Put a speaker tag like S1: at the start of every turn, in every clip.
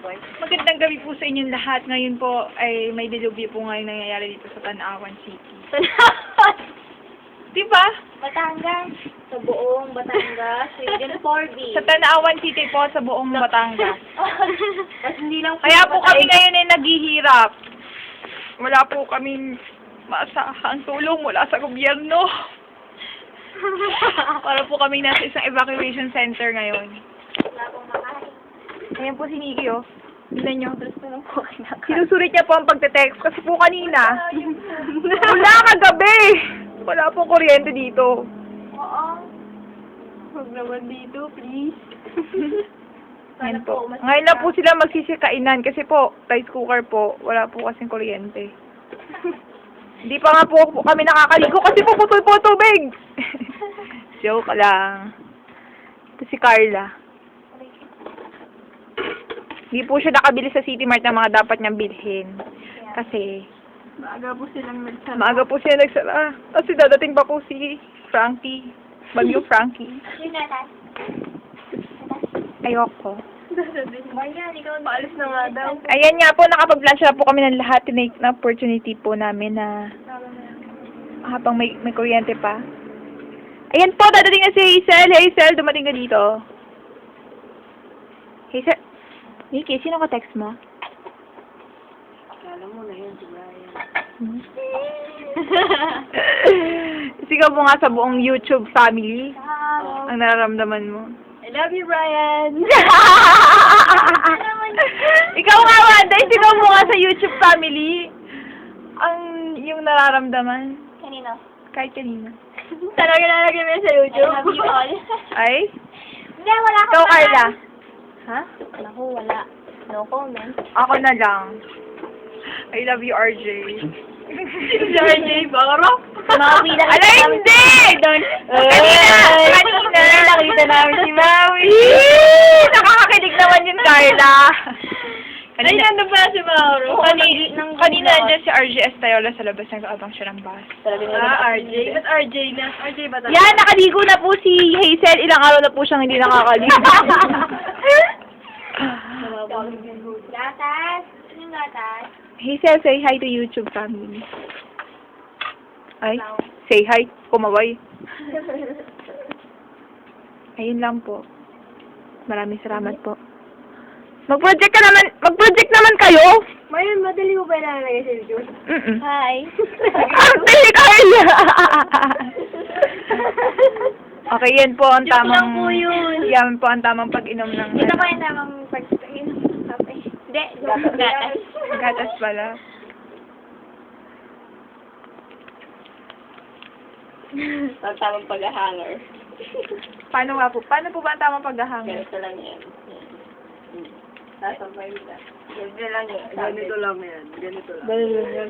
S1: boy.
S2: Magandang gabi po sa inyong lahat. Ngayon po ay may dilubyo po ngayon nangyayari dito sa Tanawan City. Diba?
S1: Batangas. Sa buong Batangas. Region 4B.
S2: Sa Tanawan City po sa buong Batangas.
S1: Tapos hindi lang
S2: Kaya po kami ngayon ay naghihirap. Wala po kaming maasahang tulong mula sa gobyerno. Para po kami nasa isang evacuation center ngayon.
S1: Wala pong makain.
S2: Ayan po si Nikki, oh. Tignan nyo.
S1: Tapos na lang po kinakain.
S2: Sinusulit niya po ang pagte-text kasi po kanina. Wala kagabi. Wala po kuryente dito.
S1: Oo. Huwag naman dito, please.
S2: Yan po. Ngayon lang po sila magsisikainan kasi po, rice cooker po, wala po kasing kuryente. Hindi pa nga po kami nakakaligo kasi po putol po tubig. Joke lang. Ito si Carla. Hindi po siya nakabili sa City Mart ng mga dapat niyang bilhin. Kasi
S1: Maaga po silang nagsama.
S2: maaga po siya nagsara. Kasi dadating pa po si Frankie. Bagyo Frankie.
S1: Yung natas.
S2: Ayoko.
S1: Marian, ikaw maalis na nga daw.
S2: Ayan nga po, nakapag-lunch na po kami ng lahat. Tinake na opportunity po namin na habang may kuryente pa. Ayan po, dadating na si Hazel. Hazel, dumating ka dito. Hazel, Nikki, sino ka text mo?
S1: Alam mo na yun, si Brian.
S2: Sigaw mo nga sa buong YouTube family ang nararamdaman mo.
S1: I love you, Brian.
S2: Ikaw nga, Wanda, sigaw mo nga sa YouTube family ang yung nararamdaman.
S1: Kanino?
S2: Kahit kanina.
S1: Talaga nalagay mo yun sa YouTube? I love you all.
S2: Ay?
S1: Hindi, wala akong
S2: Ikaw, Carla. Ha?
S1: Naku, wala. No comment.
S2: Ako na lang. I love you, RJ.
S1: Si RJ, baro. Maui lang.
S2: Ala, hindi! Kanina!
S1: Nakita namin si Maui.
S2: Nakakakilig naman yun, Carla.
S1: Ay, nandun pala si Mauro.
S2: Kanina nandiyan si RJ Estayola sa labas, nag-aabang siya ng bus.
S1: RJ? Ba't RJ na? RJ ba talaga?
S2: Yan, nakaligo na po si Hazel. Ilang araw na po siyang hindi nakakaligo.
S1: Gatas? Anong gatas?
S2: Hazel, say hi to YouTube family. Ay, say hi. Kumaway. Ayun lang po. Maraming salamat po. Mag-project naman kayo.
S1: Mayroon, madali mo ba ilalagay sa YouTube? Hi.
S2: Arte ni Carla! Okay, yan po ang
S1: Joke
S2: tamang...
S1: lang po yun.
S2: Yan po ang tamang pag-inom ng...
S1: Ito pa yung tamang pag-inom ng kape. Hindi, gatas.
S2: Gatas pala.
S1: Ang tamang pag-hanger.
S2: Paano nga po? Paano po ba ang tamang paghahangin?
S1: Ganito lang yan. Sasabay na. Ganito lang yan. Ganito lang yan. Ganito lang.
S2: Ganito lang.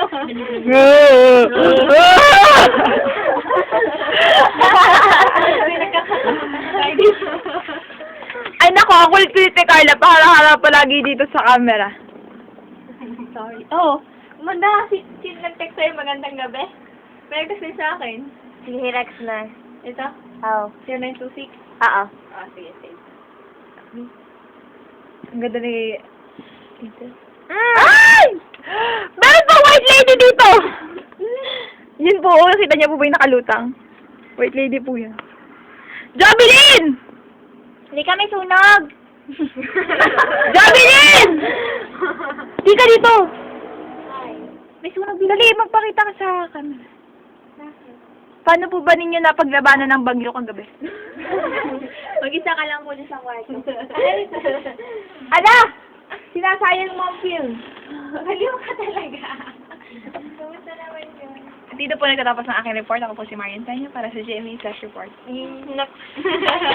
S2: Ay nako, ang kulit-kulit ni Carla. Paharap-harap palagi dito sa camera.
S1: Sorry. Oo. Manda, sino nag-text sa'yo magandang gabi? May nag-text sa akin.
S3: Si Rex na.
S1: Ito?
S3: Oo.
S1: 0926?
S3: Oo.
S1: Ah, sige, sige.
S2: Ang ganda ni... Dito.
S3: Ay!
S2: Meron pa white lady dito! Yun po, nakita niya po ba yung nakalutang? White lady po yan. Jovelyn!
S3: Hindi kami sunog!
S2: Jovelyn! Di ka dito!
S3: May sunog
S2: Dali, magpakita ka sa camera. Paano po ba ninyo napaglabanan ng bagyo kagabi?
S1: Mag-isa ka lang po dun sa kwarto.
S2: Ala! Sinasayang mo ang film.
S1: Baliw ka talaga. Kamusta naman yun?
S2: Dito po nagtatapos ng aking report. Ako po si Marian Tanyo para sa GMA Flash Report.